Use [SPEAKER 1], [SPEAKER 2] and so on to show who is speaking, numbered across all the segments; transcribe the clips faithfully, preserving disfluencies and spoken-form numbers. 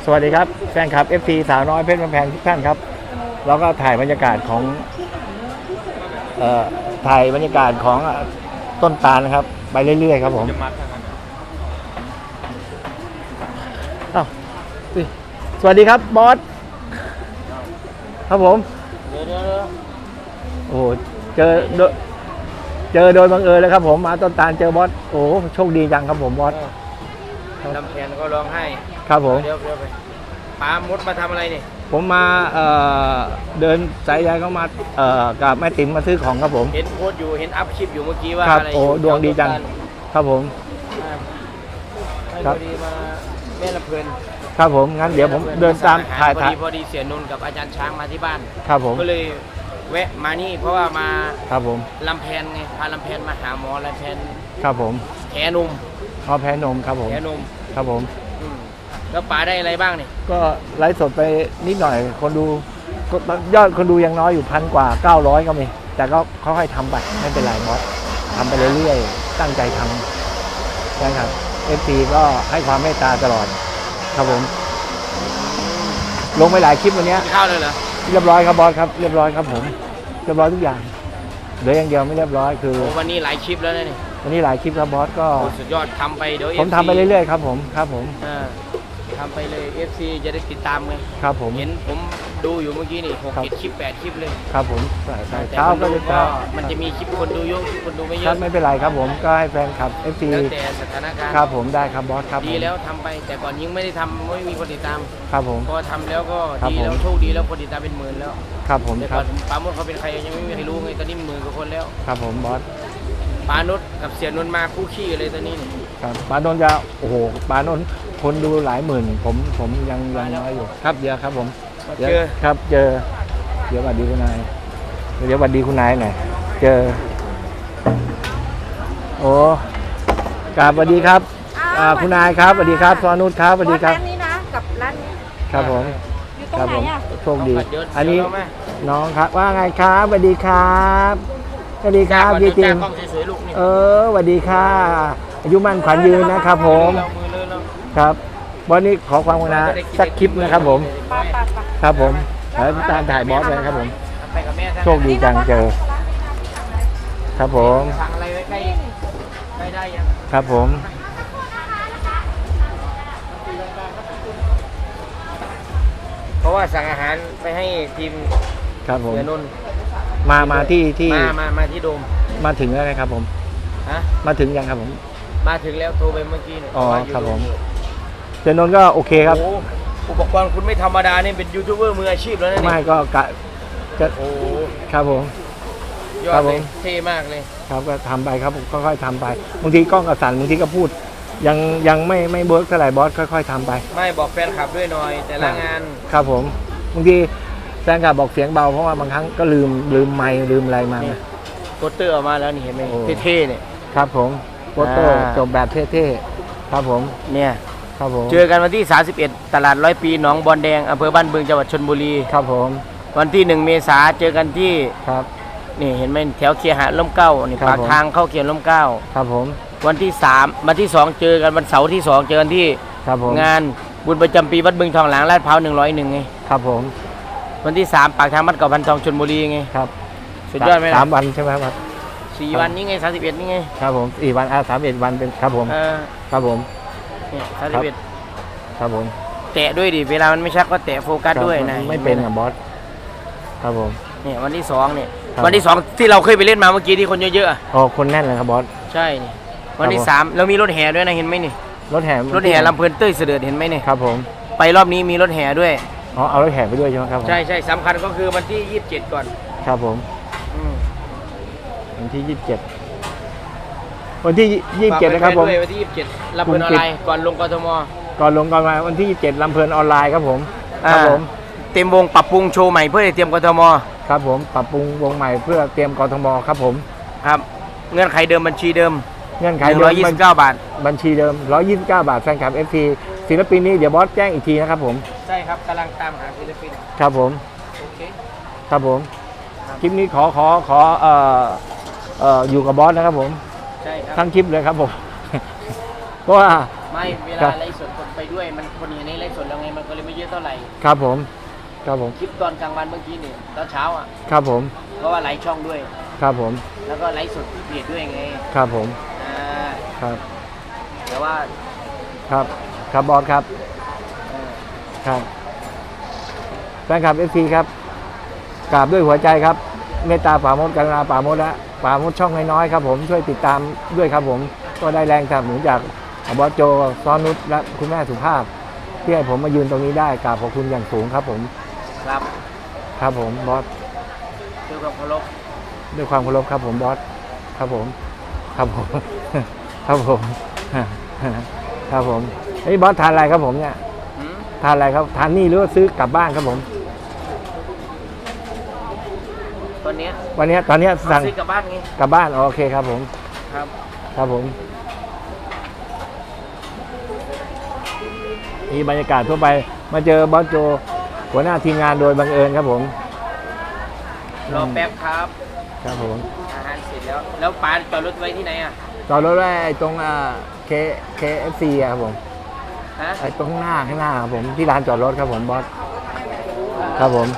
[SPEAKER 1] สวัสดีครับแฟนคลับ เอฟ ซี สาวน้อยเพชรกำแพงทุกท่านครับเราก็ถ่ายบรรยากาศของเอ่อถ่ายบรรยากาศของต้นตาลนะครับไปเรื่อยๆครับผมอ้าวสวัสดีครับบอสครับผมโอ้เจอเจอโดยบังเอิญเลยครับผมมาต้นตาลเจอบอสโอ้โชคดีจังครับผมบอส
[SPEAKER 2] ลำแพนก็ร้องให้
[SPEAKER 1] ครับผม
[SPEAKER 2] เดี๋ยวเดี๋ยวไปป้ามดมาทำอะไรนี่
[SPEAKER 1] ผมมาเอ่อเดินสายใยเข้ามาเอ่อกับแม่ติ๋มมาซื้อของครับผม
[SPEAKER 2] เห็นโพสอยู่เห็นอัพคลิปอยู่เมื่อกี้ว่า
[SPEAKER 1] อะไรโอ้ดวงดีจังครับผม
[SPEAKER 2] ครับดีมาแม่ลำเพลิน
[SPEAKER 1] ครับผมงั้นเดี๋ยวผมเดินตามถ่าย
[SPEAKER 2] พอดีพอดีเสียนนท์กับอาจารย์ช้างมาที่บ้าน
[SPEAKER 1] ครับผม
[SPEAKER 2] ก็เลยแวะมานี่เพราะว่ามา
[SPEAKER 1] ครับผม
[SPEAKER 2] ลำแพนไงพาลำแพนมาหาหมอลำแพน
[SPEAKER 1] ครับผม
[SPEAKER 2] แผลนม
[SPEAKER 1] อ๋อแผลนมครับผม
[SPEAKER 2] แผลนม
[SPEAKER 1] ครับผม
[SPEAKER 2] แล้วป๋าได้อะไรบ้างนี่
[SPEAKER 1] ก็ไลฟ์สดไปนิดหน่อยคนดูยอดคนดูยังน้อยอยู่พันกว่าเก้าร้อยก็มีแต่ก็ค่อยๆทำไปไม่เป็นไรบอสทำไปเรื่อยๆตั้งใจทำนะครับ เอฟ ซี ก็ให้ความเมตตาตลอดครับผมลงไปหลายคลิปวันนี้
[SPEAKER 2] ข้าวเลยเหรอ
[SPEAKER 1] เรียบร้อยครับบอสครับเรียบร้อยครับผมเรียบร้อยทุกอย่างเหลืออย่างเดียวไม่เรียบร้อยคือ
[SPEAKER 2] วันนี้หลายคลิปแล้วนี่
[SPEAKER 1] วันนี้หลายคลิปครับบอสก็
[SPEAKER 2] สุดยอดทำไปเดี๋ยว
[SPEAKER 1] ผมทำไปเรื่อยๆครับผมครับผม
[SPEAKER 2] ทำไปเลย เอฟ ซี จะได้ติดตามไง
[SPEAKER 1] ครับผม
[SPEAKER 2] เห็นผมดูอยู่เมื่อกี้นี่หกเจ็ดคลิปแปดคลิปเลย
[SPEAKER 1] ครับผม
[SPEAKER 2] เช้าก็จะมันจะมีคลิปคนดูเยอะคนดูไม่เยอะ
[SPEAKER 1] ไม่เป็นไรครับผมก็ให้แฟนคลับ เอฟ ซี
[SPEAKER 2] แล้วแต่สถานการณ์
[SPEAKER 1] ครับผมได้ครับบอสครับ
[SPEAKER 2] ดีแล้วทำไปแต่ก่อนยิ่งไม่ได้ทำไม่มีคนติดตาม
[SPEAKER 1] ครับผม
[SPEAKER 2] พอทำแล้วก็ดีแล้วโชคดีแล้วคนติดตามเป็นหมื่นแล้ว
[SPEAKER 1] ครับผม
[SPEAKER 2] แต่ก่อนปาโมดเขาเป็นใครยังไม่มีใครรู้ไงตอนนี้หมื่นกว่าคนแล้ว
[SPEAKER 1] ครับผมบอส
[SPEAKER 2] ปาโนดกับเสียนนท์มาคู่ขี้เลยตอนนี้
[SPEAKER 1] ครับปาโนนจะโอ้โหปาโนนคนดูหลายหมื่นผมผมยังยังน้อยอยู่ครับเดี๋ยวครับผม
[SPEAKER 2] เจอ
[SPEAKER 1] ครับเจอเดี๋ยวสวัสดีคุณนายเดี๋ยวสวัสดีคุณนายหน่อยเจอโอ้กราบสวัสดีครับคุณนายครับสวัสดีครับซอนุชครับสวัสดีครับ
[SPEAKER 3] ร้านนี้นะกับร้านนี้
[SPEAKER 1] ครับผม
[SPEAKER 3] อยู่ตรงไหนอ่ะ
[SPEAKER 1] โชคดีอันนี้น้องครับว่าไงครับสวัสดีครับสวัสดีครับพี่จิมเออสวัสดีค่ะอายุมั่นขวัญยืนนะครับผมครับวันนี้ขอความกรุณาสักคลิปนะครับผมครับผมแล้วตามถ่ายบอสเลยครับผมโชคดีจังเจอครับผมครับผม
[SPEAKER 2] เพราะว่าสั่งอาหารไปให้ทีม
[SPEAKER 1] ครับผม
[SPEAKER 2] เสือนนท์
[SPEAKER 1] มามาที่ที่
[SPEAKER 2] มามามาที่โดม
[SPEAKER 1] มาถึงแล้วนะครับผม
[SPEAKER 2] ฮะ
[SPEAKER 1] มาถึงยังครับผม
[SPEAKER 2] มาถึงแล้วโทรไปเมื่อกี้เนี่ย
[SPEAKER 1] อ๋อครับผมเสือนนท์ก็โอเคครับ
[SPEAKER 2] อุปกรณ์คุณไม่ธรรมดาเนี่ยเป็นยูทูบเบอร์มืออาชีพแล้วนะ
[SPEAKER 1] ไม่ก็กะจะ
[SPEAKER 2] โอ้
[SPEAKER 1] ครับผม
[SPEAKER 2] ยอดเลยเท่มากเลย
[SPEAKER 1] ครับก็ทำไปครับค่อยๆทำไปบางทีกล้องกระสันบางทีก็พูดยังยังไม่ไม่เบิร์กเท่าไหร่บอสค่อยๆทำไป
[SPEAKER 2] ไม่บอกแฟนคลับด้วยหน่อยแต่ละงาน
[SPEAKER 1] ครับผมบางทีแฟนคลับบอกเสียงเบาเพราะว่าบางครั้งก็ลืมลืมไมค์ลืมอะไรมา
[SPEAKER 2] โปสเตอร์ออกมาแล้วนี่เห็นไหมเท่ๆเนี่ย
[SPEAKER 1] ครับผมโปสเตอร์จบแบบเท่ๆครับผม
[SPEAKER 2] เนี่ย
[SPEAKER 1] ครับผม
[SPEAKER 2] เจอกันวันที่สามสิบเอ็ดตลาดร้อยปีหนองบอนแดงอำเภอบ้านบึงจังหวัดชลบุรี
[SPEAKER 1] ครับผม
[SPEAKER 2] วันที่หนึ่งเมษาเจอกันที่
[SPEAKER 1] ครับ
[SPEAKER 2] นี่เห็นไหมแถวเคียหาล่มเก้านี่ปากทางเข้าเคียล่มเก้า
[SPEAKER 1] ครับผม
[SPEAKER 2] วันที่สามวันที่สองเจอกันวันเสาร์ที่สองเจอกันที่งานบุญประจำปีวัดบึงทองหลางลาดพร้าวหนึ่งร้อยหนึ่งไง
[SPEAKER 1] ครับผม
[SPEAKER 2] วันที่สามปากทางบ้านเก่าพันทองชลบุรีไง
[SPEAKER 1] ครับ
[SPEAKER 2] สุดยอดไหม
[SPEAKER 1] สามวันใช่ไหมครับ
[SPEAKER 2] สี่วันนี้ไงสามสิบเอ็ดนี่ไง
[SPEAKER 1] ครับผมสี่วันอ่าสามเอ็ดวันเป็นครับผมครับผม
[SPEAKER 2] เนี่ยสามสิบเอ็ด
[SPEAKER 1] ครับผม
[SPEAKER 2] แตะด้วยดิเวลามันไม่ชักก็แตะโฟกัสด้วยนะ
[SPEAKER 1] ไม่เป็นอ่ะบอสครับผม
[SPEAKER 2] เนี่ยวันที่สองเนี่ยวันที่สองที่เราเคยไปเล่นมาเมื่อกี้ที่คนเยอะ
[SPEAKER 1] ๆอ๋อคนแน่นเลยครับบอส
[SPEAKER 2] ใช่นี่วันที่สามเรามีรถแห่ด้วยนะเห็นไหมนี่
[SPEAKER 1] รถแห่
[SPEAKER 2] รถแห่ลำเพลินเต้ยเสด็จเห็นไหมนี่
[SPEAKER 1] ครับผม
[SPEAKER 2] ไปรอบนี้มีรถแห่ด้วย
[SPEAKER 1] อ๋อเอารถแห่ไปด้วยใช่ไหมครับ
[SPEAKER 2] ใช่ใช่สำคัญก็คือวันที่ยี่สิบเจ็ดก่อน
[SPEAKER 1] ครับผมวันที่ยี่สิบเจ็ดวันที่ยี่สิบเจ็ดนะครับผม
[SPEAKER 2] วันที่ยี่สิบเจ็ดลำเพลินออนไลน์ก่อนลงกทม
[SPEAKER 1] ก่อนลงก่อนมาวันที่ยี่สิบเจ็ดลำเพลินออนไลน์ครับผมครับผม
[SPEAKER 2] เต็มวงปรับปรุงโชว์ใหม่เพื่อเตรียมกทม
[SPEAKER 1] ครับผมปรับปรุงวงใหม่เพื่อเตรียมกทมครับผม
[SPEAKER 2] ครับเงื่อนไขเดิมบัญชีเดิม
[SPEAKER 1] เงื่อนไขเดิม
[SPEAKER 2] ร้อยยี่สิบเก้าบาท
[SPEAKER 1] บัญชีเดิมร้อยยี่สิบเก้าบาทแฟนคลับ เอฟ ซี ศิลปินนี้เดี๋ยวบอสแจ้งอีกทีนะครับผม
[SPEAKER 2] ใช่ครับกำลังตามหาศิลปิน
[SPEAKER 1] ครับผม
[SPEAKER 2] โอเค
[SPEAKER 1] ครับผมคลิปนี้ขอขอขอเอ่อเอ่ออยู่กับบอสนะครับผม
[SPEAKER 2] ใช่ครับ
[SPEAKER 1] ทั้งคลิปเลยครับผมเพราะว่า
[SPEAKER 2] ไม่เวลาไลฟ์สดไปด้วยด้วยมันคนอยู่ในไลฟ์สดแล้วไงมันก็เลยไม่เยอะเท่าไหร่
[SPEAKER 1] ครับผมครับผม
[SPEAKER 2] คลิปตอนกลางวันเมื่อกี้เนี่ยตอนเช้าอ่ะ
[SPEAKER 1] ครับผม
[SPEAKER 2] เพราะว่าไลฟ์ช่องด้วย
[SPEAKER 1] ครับผม
[SPEAKER 2] แล้วก็ไลฟ์สดที่เพจด้วยไง
[SPEAKER 1] ครับผม
[SPEAKER 2] อ่า
[SPEAKER 1] ครับ
[SPEAKER 2] แต่ว่า
[SPEAKER 1] ครับครับบอสครับ
[SPEAKER 2] เออ
[SPEAKER 1] ครับแฟนคลับเอฟซีครับกราบด้วยหัวใจครับเมตตาป่าโมดกรุณาป่าโมดและป่าโมดช่องน้อยๆครับผมช่วยติดตามด้วยครับผมก็ได้แรงสนับสนุนจากบอสโจซ้อนนุชและคุณแม่สุภาพที่ให้ผมมายืนตรงนี้ได้กราบขอบคุณอย่างสูงครับผม
[SPEAKER 2] ครับ
[SPEAKER 1] ครับผมบอส
[SPEAKER 2] ด้วยความเคารพ
[SPEAKER 1] ด้วยความเคารพครับผมบอสครับผมครับผม ครับผมครับผมเฮ้ยบอสทานอะไรครับผมเนี่ย
[SPEAKER 2] หืม
[SPEAKER 1] ทานอะไรครับทานนี่หรือว่าซื้อกลับบ้านครับผม
[SPEAKER 2] ตอนเนี้ย
[SPEAKER 1] วันนี้ตอนนี้
[SPEAKER 2] เอา
[SPEAKER 1] สั่ง
[SPEAKER 2] ซื้อกลับบ้านไง
[SPEAKER 1] กลับบ้านอ๋อโอเคครับผม
[SPEAKER 2] ครับ
[SPEAKER 1] ครับผมนี่บรรยากาศทั่วไปมาเจอบอสโจหัวหน้าทีมงานโดยบังเอิญครับผม
[SPEAKER 2] รอแป๊บครับ
[SPEAKER 1] ครับผม
[SPEAKER 2] อาหารเสร็จแล้ว แล้วปานจอดรถไว้ที่ไหนอ่ะ
[SPEAKER 1] จอดรถไว้ตรงอ่าเคเคเอฟซีครับผม
[SPEAKER 2] ฮะ
[SPEAKER 1] ไอ้ตรงข้างหน้าข้างหน้าครับผมที่ร้านจอดรถครับผมบอสครับผม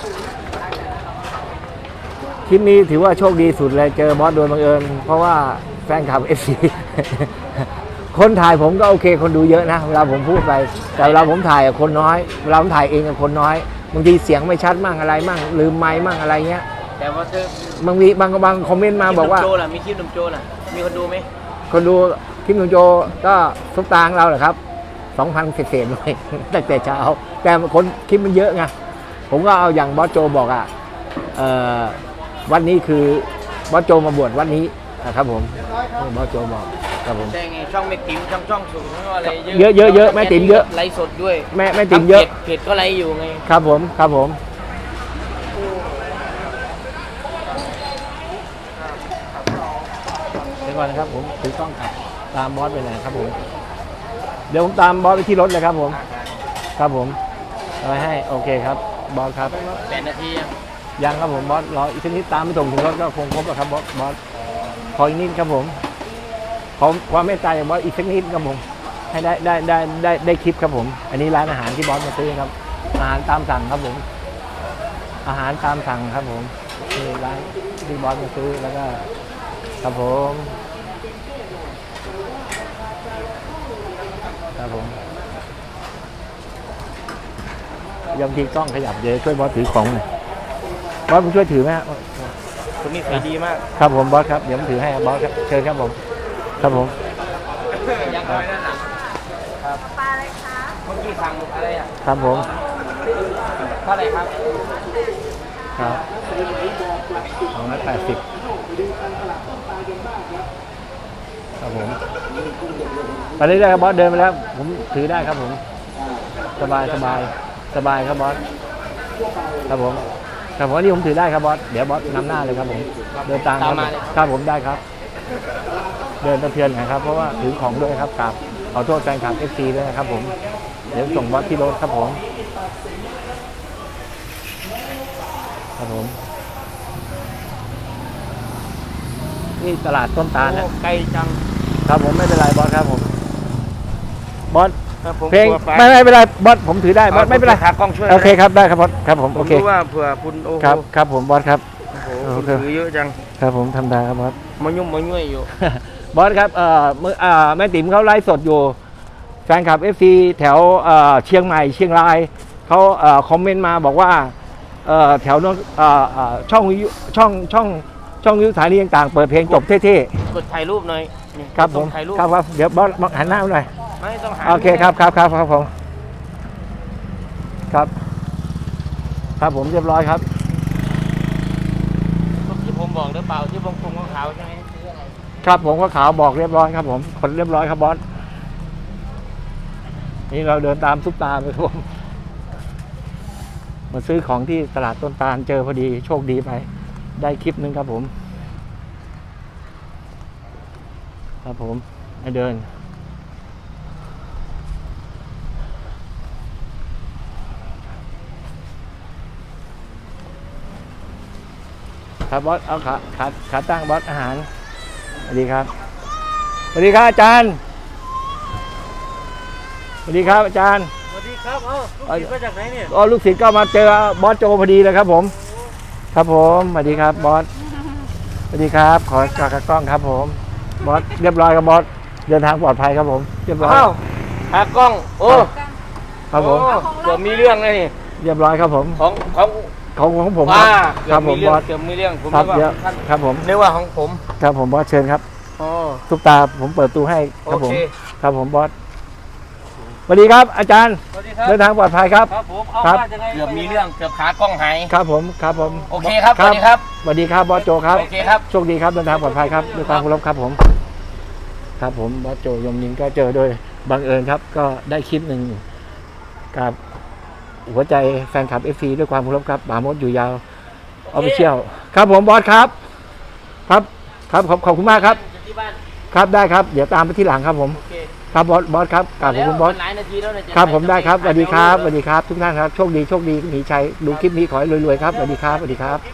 [SPEAKER 1] คลิปนี้ถือว่าโชคดีสุดเลยเจอบอสโดยบังเอิญเพราะว่าแฟนคลับเอฟซี คนถ่ายผมก็โอเคคนดูเยอะนะเวลาผมพูดไปแต่เวลาผมถ่ายกับคนน้อยเวลาผมถ่ายเองกับคนน้อยบางทีเสียงไม่ชัดมั่งอะไรมั่งลืมไมค์มั่งอะไรเงี้ย
[SPEAKER 2] แต่ว่าเธอบ
[SPEAKER 1] างทีบางบางคอมเมนต์มาบอกว่า
[SPEAKER 2] คลิปหนุ่มโจล่ะมีคลิปหนุ่มโจล่ะมีคนดูไหม
[SPEAKER 1] คนดูคลิปหนุ่มโจก็ซุปตาของเราเหรอครับสองพันเศษๆเลย ตั้งแต่เช้าแต่คนคลิปมันเยอะไงผมก็เอาอย่างบอสโจบอกอ่ะเอ่อวันนี้คือบอสโจมาบวชวันนี้นะครับผมบอสโจบอกครับผม
[SPEAKER 2] ใช่ไงช่องแม่ติ๋มช่องช่องสูงอะไร
[SPEAKER 1] เยอะเยอะเยอะแม่ติ๋มเยอะ
[SPEAKER 2] ไลฟ์สดด้วย
[SPEAKER 1] แม่แม่ติ๋มเยอะ
[SPEAKER 2] เพจเพจก็ไลฟ์อยู่ไง
[SPEAKER 1] ครับผมครับผมเดี๋ยวก่อนนะครับผมถือกล้องกลับตามบอสไปไหนครับผมเดี๋ยวผมตามบอสไปที่รถเลยครับผมครับผมเอาไว้ให้โอเคครับบอสครับ
[SPEAKER 2] แปดนาทียัง
[SPEAKER 1] ยังครับผมบอสรออีกชนิดตามไปส่งถึงรถก็คงครบแล้วครับบอสบอสขออีกนิดครับผมขอความเมตตาจากบอสอีกสักนิดครับผมให้ได้ได้ได้ได้ได้คลิปครับผม อันนี้ร้านอาหารที่บอสมาซื้อครับอาหารตามสั่งครับผม อาหารตามสั่งครับผมนี่ร้านที่บอสมาซื้อแล้วก็ครับผมครับผมยอมทีกล้องขยับเดี๋ยวช่วยบอสถือของหน่อยบอสผมช่วยถือไหมฮะ
[SPEAKER 2] คนนี้สวยดีมาก
[SPEAKER 1] ครับผมบอสครับเดี๋ยวผมถือให้บอสครับเชิญครับผมครับผม
[SPEAKER 2] ยังน้อยนั่นน่ะ
[SPEAKER 3] ปลาอะไรคะ
[SPEAKER 2] เมื่อกี้สั่งอะไรอ่ะ
[SPEAKER 1] ครับผม
[SPEAKER 2] เท่าไหร่ครับ
[SPEAKER 1] ครับสองร้อยแปดสิบครับผมไปเรื่อยๆครับบอสเดินไปแล้ว ผมถือได้ครับผม สบายสบายสบายครับบอสครับผมครับผมนี่ผมถือได้ครับบอสเดี๋ยวบอสนำหน้าเลยครับผมเดินตามครับครับผมได้ครับ เดินตะเพียนหนะครับเพราะว่าถือของด้วยครับกราบขอโทษแฟนคลับเอฟซีด้วยนะครับผมเดี๋ยวส่งบอสที่รถครับผมครับผมนี่ตลาดต้นตาลนะ
[SPEAKER 2] ไกลจัง
[SPEAKER 1] ครับผมไม่เป็นไรบอสครับผมบอส
[SPEAKER 2] ครับผม
[SPEAKER 1] เพลง
[SPEAKER 2] กลัวป
[SPEAKER 1] ไม่ไม่เป็นไรบอสผมถือได้บอสไม่เป็นไร
[SPEAKER 2] ขากล้องช่วย
[SPEAKER 1] โอเคครับได้ครับบอสครับผม
[SPEAKER 2] ผ
[SPEAKER 1] โอ
[SPEAKER 2] ม
[SPEAKER 1] เค
[SPEAKER 2] รู้ว่าเผื่อคุณโอ้โห
[SPEAKER 1] ครับครับผมบอสครับ
[SPEAKER 2] โอ้โห
[SPEAKER 1] โอ
[SPEAKER 2] คุณ
[SPEAKER 1] เค
[SPEAKER 2] ถือเยอะจัง
[SPEAKER 1] ครับผมทำได้ครับบอส
[SPEAKER 2] มายุ่มมายุ่ยอยู่
[SPEAKER 1] บอสครับเอ่อมืออ่าแม่ติ๋มเขาไลฟ์สดอยู่แฟนคลับ เอฟ ซี แถวเอ่อเชียงใหม่เชียงรายเขาเอ่อคอมเมนต์มาบอกว่าเอ่อแถวนั้นเอ่อเอ่อช่องวิทยุช่องช่องช่องวิทยุสถานีต่างๆเปิดเพลงจบเท่
[SPEAKER 2] กดถ่ายรูปหน่อยนี่
[SPEAKER 1] ๆครับผม
[SPEAKER 2] ถ่ายรูป
[SPEAKER 1] ครับครับเดี๋ยวบอสบอสหันหน้ามาหน่อย
[SPEAKER 2] ไม่ต้องหา
[SPEAKER 1] โอเคครับครับครับครับผมครับครับผมเรียบร้อยครับ
[SPEAKER 2] รูปที่ผมบอกหรือเปล่าที่วงกลมขาวๆใช่ไหมซื้ออะไร
[SPEAKER 1] ครับผมก็ขาวบอกเรียบร้อยครับผมคนเรียบร้อยครับบอสนี่เราเดินตามซุปตาไปครับผมมาซื้อของที่ตลาดต้นตาลเจอพอดีโชคดีไปได้คลิปนึงครับผมครับผมให้เดินครับบอสเอาขาขาขาตั้งบอสอาหารสวัสดีครับสวัสดีครับอาจารย์สวัสดีครับอาจารย์
[SPEAKER 4] สวัสดีครับ เอ้าลูกศิษย์มาจากไหนเนี่ย
[SPEAKER 1] อ๋อลูกศิษย์ก็มาเจอบอสโจพอดีเลยครับผม ครับผมสวัสดีครับบอสสวัสดีครับขอกากกล้องครับผมบอสเรียบร้อยครับบอสเดินทางปลอดภัยครับผมเรียบร้อย
[SPEAKER 2] อ้าวหากล้อง โอ้
[SPEAKER 1] ครับผม
[SPEAKER 2] โอ้เกือบมีเรื่องเลยนี่
[SPEAKER 1] เรียบร้อยครับผม
[SPEAKER 2] ของของ
[SPEAKER 1] ของของผม
[SPEAKER 2] ว่า
[SPEAKER 1] ครับผม
[SPEAKER 2] เกื
[SPEAKER 1] บ
[SPEAKER 2] อ
[SPEAKER 1] อบ ส
[SPEAKER 2] มีเรื่องเกือบมีเรื่องผม
[SPEAKER 1] ครับ
[SPEAKER 2] นึก
[SPEAKER 1] เยอะ
[SPEAKER 2] ว่าท่าน
[SPEAKER 1] ครับผม
[SPEAKER 2] นึกว่าของผม
[SPEAKER 1] ครับผมบอสเชิญครับ
[SPEAKER 2] อ๋อ
[SPEAKER 1] ทุกตาผมเปิดตู้ให้ครับผม
[SPEAKER 2] โอเค
[SPEAKER 1] ครับผมบอสสวัสดีครับอาจารย์
[SPEAKER 4] สวัสดีครับ
[SPEAKER 1] เดินทางปลอดภัยครับ
[SPEAKER 4] ครับผม เอา
[SPEAKER 1] ครับ
[SPEAKER 4] มาจากไหน
[SPEAKER 2] เกือบมีเรื่องเกือบขากล้องหาย
[SPEAKER 1] ครับผมครับผม
[SPEAKER 2] โอเคครับสวัสดีครับ
[SPEAKER 1] สวัสดีครับบอสโจครับ
[SPEAKER 2] โอเคครับ
[SPEAKER 1] โชคดีครับเดินทางปลอดภัยครับด้วยความเคารพครับผม ครับผมบอสโจยมนินก็เจอโดยบังเอิญครับ ก็ได้คลิปหนึ่งกับหัวใจแฟนคลับเอฟซีด้วยความเคารพครับป่ามดอยู่ยาวออฟฟิเชียลครับผมบอสครับ ครับครับขอบขอบคุณมากครับ
[SPEAKER 2] ที่บ้าน
[SPEAKER 1] ครับได้ครับเดี๋ยวตามไปที่หลังครับผม
[SPEAKER 2] โอเค
[SPEAKER 1] ครับบอสบอสครับกราบขอบคุณบอส
[SPEAKER 2] หลายนาทีแล้วเนี่ยจะ
[SPEAKER 1] ครับผมได้ครับส
[SPEAKER 2] ไป
[SPEAKER 1] วัสดีครับส
[SPEAKER 2] ไป
[SPEAKER 1] วัสดีครับทุกท่านครับโชคดีโชคดีมีชัยดูคลิปนี้ขอให้รวยๆครับสวัสดีครับสวัสดีครับ